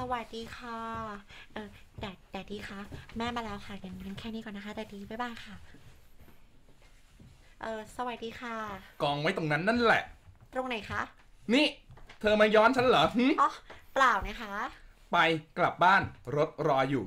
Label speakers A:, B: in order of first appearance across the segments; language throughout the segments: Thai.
A: วัสดีค่ะแดดดี้คะแม่มาแล้วค่ะงั้นแค่นี้ก่อนนะคะแดดดี้บ๊ายบายค่ะสวัสดีค่ะ
B: กองไว้ตรงนั้นนั่นแหละ
A: ตรงไหนคะ
B: นี่เธอมาย้อนฉันเหรอ
A: อ๋อเปล่านะคะ
B: ไปกลับบ้านรถรออยู่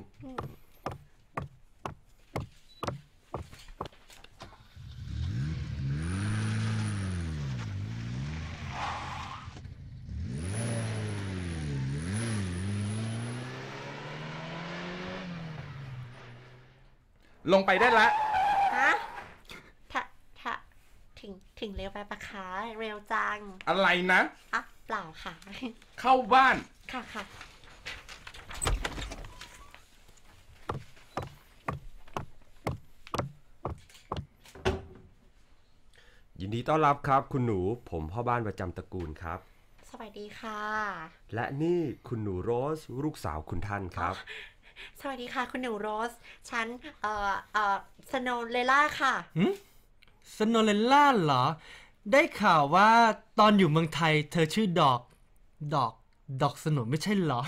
B: ลงไปได้ละ
A: ฮะถ้าถ้าถึงเร็วไปปะคะเร็วจัง
B: อะไรนะ
A: อ่ะเปล่าค่ะ
B: เข้าบ้าน
A: ค่ะค่ะ
C: ยินดีต้อนรับครับคุณหนูผมพ่อบ้านประจำตระกูลครับ
A: สวัสดีค่ะ
C: และนี่คุณหนูโรสลูกสาวคุณท่านครับ
A: สวัสดีค่ะคุณหนูโรสฉันสโนเลล่าค่ะ
D: สโนเลล่าเหรอได้ข่าวว่าตอนอยู่เมืองไทยเธอชื่อดอกสโนไม่ใช่เหรอ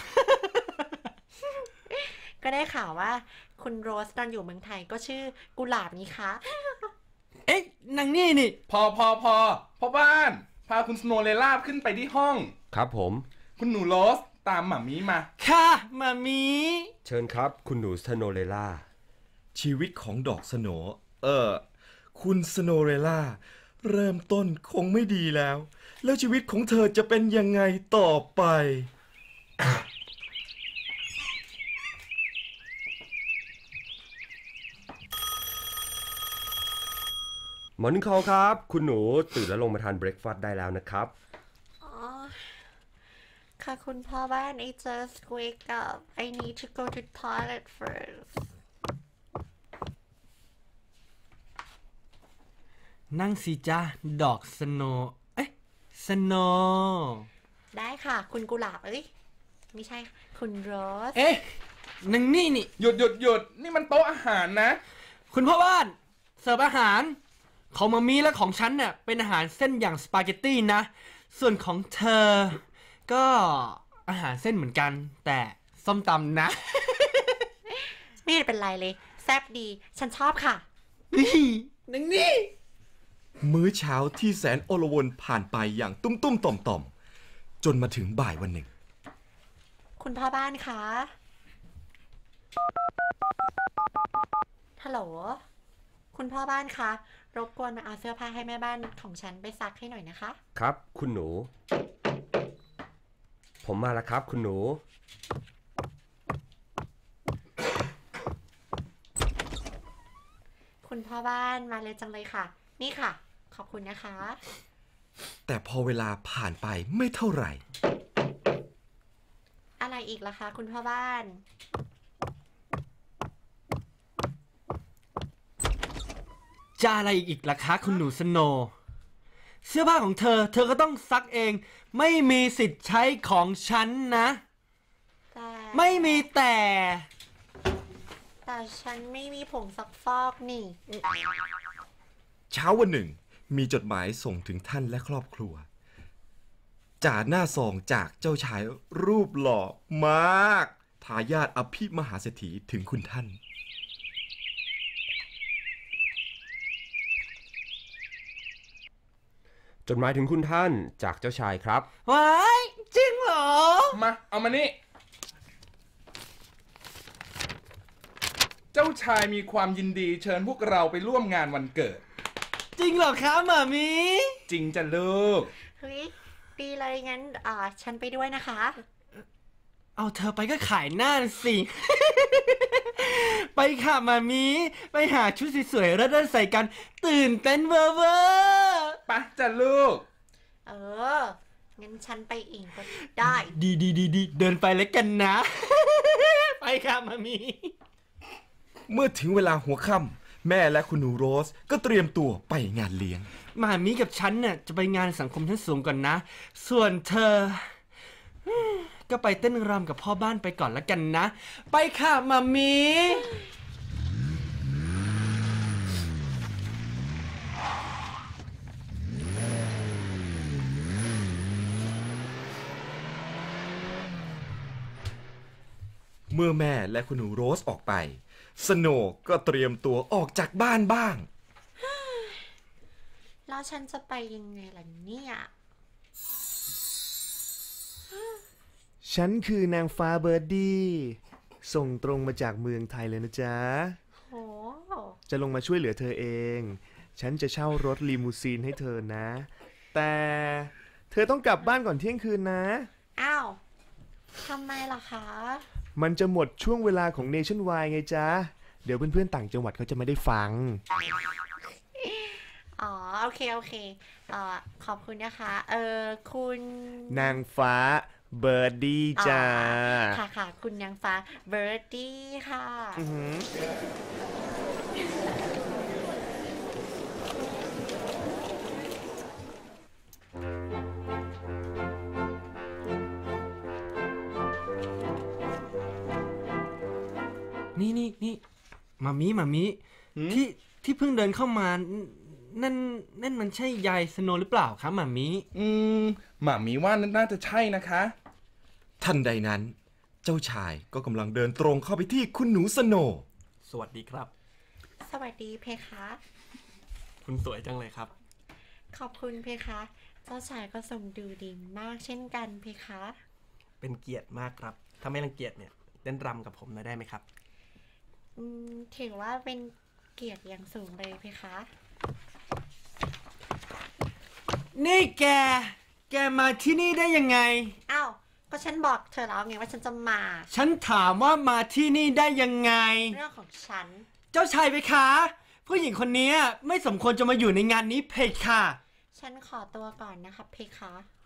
A: ก็ได้ข่าวว่าคุณโรสตอนอยู่เมืองไทยก็ชื่อกุหลาบนี้คะ
D: เอ๊ะนางนี่
B: พอพ่อบ้านพาคุณสโนเลล่าขึ้นไปที่ห้อง
C: ครับผม
B: คุณหนูโรสตามหม่ามีมา
D: ค่ะมามี
C: เชิญครับคุณหนูสโนเลล่า
E: ชีวิตของดอกสโหนคุณสโนเรล่าเริ่มต้นคงไม่ดีแล้วชีวิตของเธอจะเป็นยังไงต่อไป
C: มอร์นิ่งคอลครับคุณหนูตื่นแล้วลงมาทานเบรคฟาสต์ได้แล้วนะครับ
A: อ๋อค่ะคุณพ่อบ้าน I just wake up I need to go to toilet first
D: นั่งสิจ้าดอกสโนสโน
A: ได้ค่ะคุณกุหลาบไม่ใช่คุณโรส
D: เอ๊ะนางนี่
B: หยุดนี่มันโต๊ะอาหารนะ
D: คุณพ่อบ้านเสิร์ฟอาหารของมามีและของฉันเนี่ยเป็นอาหารเส้นอย่างสปาเกตตี้นะส่วนของเธอก็อาหารเส้นเหมือนกันแต่ส้มตำนะ
A: ไม่เป็นไรเลยแซ่บดีฉันชอบค่ะ
D: นางนี่
E: มื้อเช้าที่แสนโอลวนผ่านไปอย่างตุ้มต่อมจนมาถึงบ่ายวันหนึ่ง
A: คุณพ่อบ้านคะฮัลโหลคุณพ่อบ้านคะรบกวนมาเอาเสื้อผ้าให้แม่บ้านของฉันไปซักให้หน่อยนะคะ
C: ครับคุณหนูผมมาแล้วครับคุณหนู
A: คุณพ่อบ้านมาเลยจังเลยค่ะนี่ค่ะขอบคุณนะคะ
E: แต่พอเวลาผ่านไปไม่เท่าไหร่
A: อะไรอีกล่ะคะคุณพ่อบ้าน
D: จะอะไรอีกล่ะคะคุณหนูสโนเสื้อผ้าของเธอก็ต้องซักเองไม่มีสิทธิ์ใช้ของฉันนะไม่มีแต่
A: ฉันไม่มีผงซักฟอกนี่
E: เช้าวันหนึ่งมีจดหมายส่งถึงท่านและครอบครัวจากหน้าซองจากเจ้าชายรูปหล่อมากทายาทอภิมหาเศรษฐีถึงคุณท่าน
C: จดหมายถึงคุณท่านจากเจ้าชายครับ
D: ว้ายจริงเหรอ
B: มาเอามานี่เจ้าชายมีความยินดีเชิญพวกเราไปร่วมงานวันเกิด
D: จริงเหรอคะหม่ามี
B: จริงจ้ะลูก
A: เฮ้ยดีเลยงั้นฉันไปด้วยนะคะ
D: เอาเธอไปก็ขายหน้าสิ ไปค่ะหม่ามีไปหาชุดสวยๆแล้วเดินใส่กันตื่นเต้นเวอร์
B: ปะจ้ะลูก
A: งั้นฉันไปเองก็ได้
D: ดีเดินไปแล้วกันนะ ไปค่ะหม่ามี
E: เมื่อถึงเวลาหัวค่ำแม่และคุณหนูโรสก็เตรียมตัวไปงานเลี้ยง
D: หม่ามีกับฉันเนี่ยจะไปงานสังคมชั้นสูงก่อนนะส่วนเธอก็ไปเต้นรำกับพ่อบ้านไปก่อนแล้วกันนะไปค่ะหม่ามี
E: มื่อแม่และคุณหนูโรสออกไปสโนว์ก็เตรียมตัวออกจากบ้านบ้าง
A: แล้วฉันจะไปยังไงล่ะเนี่ย
F: ฉันคือนางฟ้าเบิร์ดดี้ส่งตรงมาจากเมืองไทยเลยนะจ๊ะ
A: โห
F: จะลงมาช่วยเหลือเธอเอง ฉันจะเช่ารถลีมูซีนให้เธอนะ แต่เธอต้องกลับบ้านก่อนเที่ยงคืนนะ
A: อ้าวทำไมล่ะคะ
F: มันจะหมดช่วงเวลาของ Nationwide ไงจ๊ะ เดี๋ยวเพื่อนๆต่างจังหวัดเขาจะไม่ได้ฟัง
A: อ๋อ โอเค โอเค ขอบคุณนะคะ คุณ
F: นางฟ้าเบิร์ดดี้จ้า
A: ค่ะค่ะ คุณนางฟ้าเบิร์ดดี้ค่ะ
F: อือหือ
D: นี่มามีที่เพิ่งเดินเข้ามานั่นมันใช่ยายสโนว์หรือเปล่าครับมามี
B: หม่ามีว่าน่าจะใช่นะคะ
E: ทันใดนั้นเจ้าชายก็กำลังเดินตรงเข้าไปที่คุณหนูสโนว์
D: สวัสดีครับ
A: สวัสดีเพคะ
D: คุณสวยจังเลยครับ
A: ขอบคุณเพคะ เจ้าชายก็ทรงดูดีมากเช่นกันเพคะ
D: เป็นเกียรติมากครับถ้าไม่รังเกียจเนี่ยเต้นรำกับผมหน่อยได้ไหมครับ
A: ถือว่าเป็นเกียรติอย่างสูงเลยเพคะ
D: นี่แกมาที่นี่ได้ยังไง
A: อ้าว ก็ฉันบอกเธอแล้วไงว่าฉันจะมา
D: ฉันถามว่ามาที่นี่ได้ยังไง
A: เรื่องของฉัน
D: เจ้าชายเพคะ ผู้หญิงคนนี้ไม่สมควรจะมาอยู่ในงานนี้เพคะ
A: ฉันขอตัวก่อนนะครับเพคะ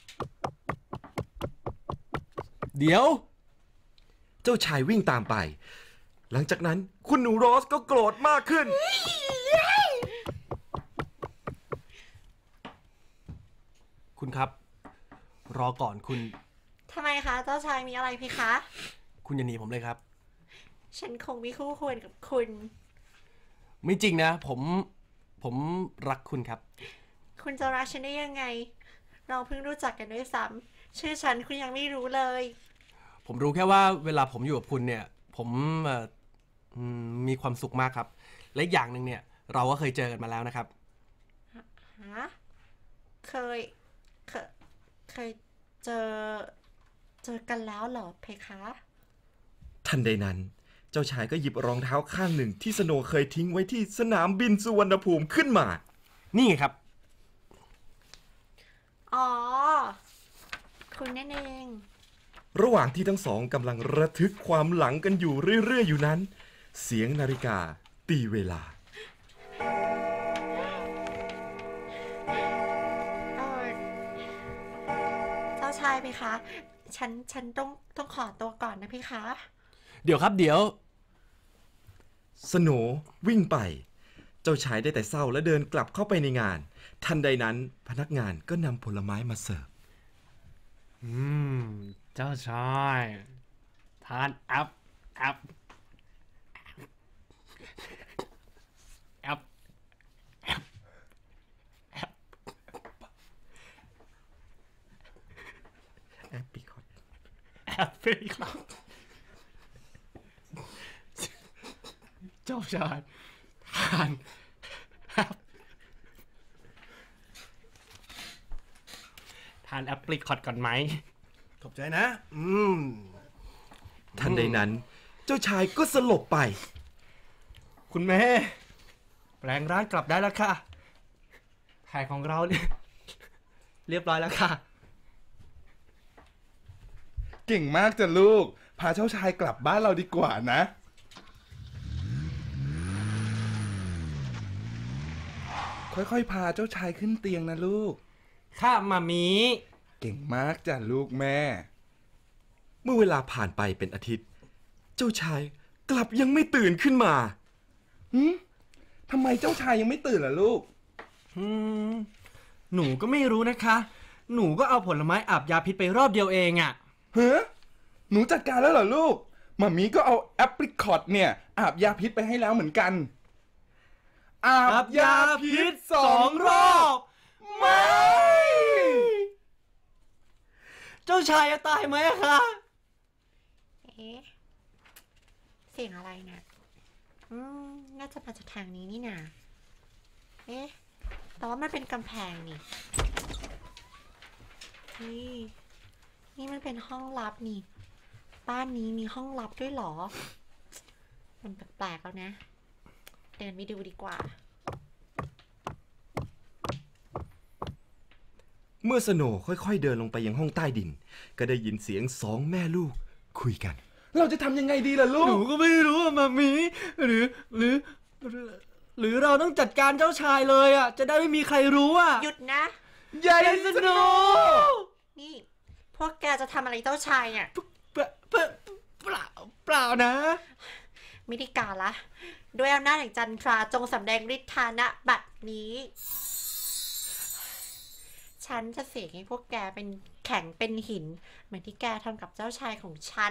D: เดี๋ยว
E: เจ้าชายวิ่งตามไป หลังจากนั้นคุณหนูโรสก็โกรธมากขึ้น
D: คุณครับ รอก่อนคุณ
A: ทำไมคะ เจ้าชายมีอะไรเพคะ
D: คุณอย่าหนีผมเลยครับ
A: ฉันคงไม่คู่ควรกับคุณ
D: ไม่จริงนะ ผมรักคุณครับ
A: คุณจะรักฉันได้ยังไง เราเพิ่งรู้จักกันด้วยซ้ำชื่อฉันคุณยังไม่รู้เลย
D: ผมรู้แค่ว่าเวลาผมอยู่กับคุณเนี่ย ผมมีความสุขมากครับ และอีกอย่างหนึ่งเนี่ย เราก็เคยเจอกันมาแล้วนะครับ
A: ฮะ เคยเจอกันแล้วเหรอเพคะ
E: ทันใดนั้นเจ้าชายก็หยิบรองเท้าข้างหนึ่งที่สโนว์เคยทิ้งไว้ที่สนามบินสุวรรณภูมิขึ้นมา
D: นี่ไงครับ
A: อ๋อ คุณนั่นเอง
E: ระหว่างที่ทั้งสองกำลังระทึกความหลังกันอยู่เรื่อยๆอยู่นั้น เสียงนาฬิกาตีเวลา
A: เจ้าชายเพคะ ฉันต้องขอตัวก่อนนะเพคะ
D: เดี๋ยวครับเดี๋ยว
E: สโนว์วิ่งไป เจ้าชายได้แต่เศร้าและเดินกลับเข้าไปในงาน ทันใดนั้นพนักงานก็นำผลไม้มาเสิร์ฟ
D: เจ้าชายทานแอปแอปแอปแอปแอป
E: แอปปิคอต
D: แอปเปิลครับเจ้าชายทานแอปทานแอปเปิลคอตก่อนไหมขอบใจนะ
E: ทันใดนั้นเจ้าชายก็สลบไป
D: คุณแม่แปลงร่างกลับได้แล้วค่ะแผนของเราเนี่ยเรียบร้อยแล้วค่ะ
B: เก่งมากจ้ะลูก พาเจ้าชายกลับบ้านเราดีกว่านะ ค่อยๆพาเจ้าชายขึ้นเตียงนะลูก
D: ค่ะมามี
B: เก่งมากจ้ะลูกแม่
E: เมื่อเวลาผ่านไปเป็นอาทิตย์ เจ้าชายกลับยังไม่ตื่นขึ้นมา
B: ทำไมเจ้าชายยังไม่ตื่นล่ะลูก
D: หนูก็ไม่รู้นะคะ หนูก็เอาผลไม้อาบยาพิษไปรอบเดียวเองอะ
B: เฮ้หนูจัดการแล้วเหรอลูกหม่ามีก็เอาแอปริคอตเนี่ยอาบยาพิษไปให้แล้วเหมือนกัน อาบยาพิษ2 รอบ
D: ไม่ เจ้าชายจะตายไหมอะคะ
A: เอ๊ะเสียงอะไรเนี่ยน่าจะมาจากทางนี้นี่นาเอ๊ะแต่ว่ามันเป็นกำแพงนี่นี่มันเป็นห้องลับนี่บ้านนี้มีห้องลับด้วยเหรอมันแปลกๆแล้วนะเดินไปดูดีกว่า
E: เมื่อสโนว์ค่อยๆเดินลงไปยังห้องใต้ดิน ก็ได้ยินเสียงสองแม่ลูกคุยกัน
B: เราจะทำยังไงดีล่ะลู
D: หนู
B: ก
D: ก็ไม่รู้อะมามีหรือเราต้องจัดการเจ้าชายเลยอะจะได้ไม่มีใครรู้อะ
A: หยุดนะ
B: ใหญ่
D: สโน
A: นี่ พวกแกจะทำอะไรเจ้าชายเนี่ย
D: เปล่านะ
A: ไม่ได้การละด้วยอำนาจแห่งจันทราจงสำแดงฤทธานะบัดนี้ ฉันจะเสกให้พวกแกเป็นแข็งเป็นหิน เหมือนที่แกทำกับเจ้าชายของฉัน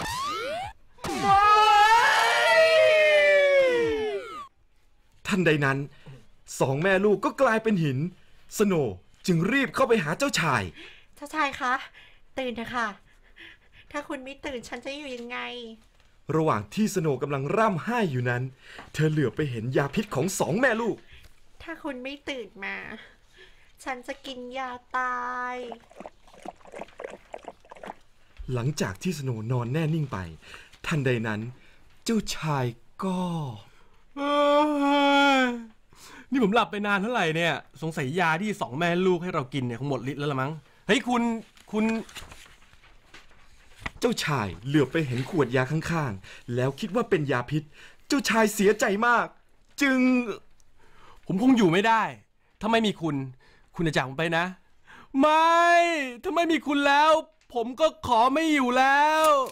E: ทันใดนั้นสองแม่ลูกก็กลายเป็นหิน สโนว์จึงรีบเข้าไปหาเจ้าชาย
A: เจ้าชายคะตื่นเถอะค่ะ ถ้าคุณไม่ตื่นฉันจะอยู่ยังไง
E: ระหว่างที่สโนว์กำลังร่ำไห้อยู่นั้น เธอเหลือบไปเห็นยาพิษของสองแม่ลูก
A: ถ้าคุณไม่ตื่นมา ฉันจะกินยาตาย
E: หลังจากที่สโนว์นอนแน่นิ่งไป ทันใดนั้น เจ้าชายก็
C: นี่ผมหลับไปนานเท่าไหร่เนี่ย สงสัยยาที่สองแม่ลูกให้เรากินเนี่ยคงหมดฤทธิ์แล้วละมั้ง เฮ้ยคุณ
E: เจ้าชายเหลือบไปเห็นขวดยาข้างๆแล้วคิดว่าเป็นยาพิษ เจ้าชายเสียใจมาก จึง
C: ผมคงอยู่ไม่ได้ ถ้าไม่มีคุณจะจากผมไปนะ ไม่ ถ้าไม่มีคุณแล้ว ผมก็ขอไม่อยู่แล้ว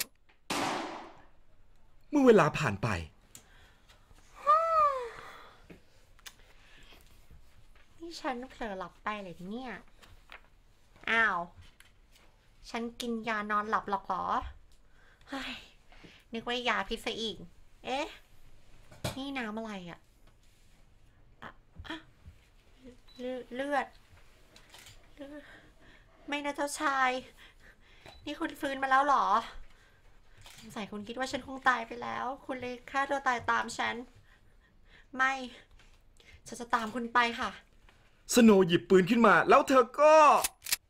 E: เมื่อเวลาผ่านไป
A: นี่ฉันเผลอหลับไปเลยเนี่ย อ้าว ฉันกินยานอนหลับหรอกเหรอ เฮ้ย นึกว่ายาพิษซะอีก เอ๊ะ นี่น้ำอะไรอะเลือด ไม่นะเจ้าชาย นี่คุณฟื้นมาแล้วเหรอ สงสัยคุณคิดว่าฉันคงตายไปแล้ว คุณเลยฆ่าตัวตายตามฉัน ไม่ ฉันจะตามคุณไปค่ะ
E: สโนว์หยิบปืนขึ้นมา แล้วเธอก็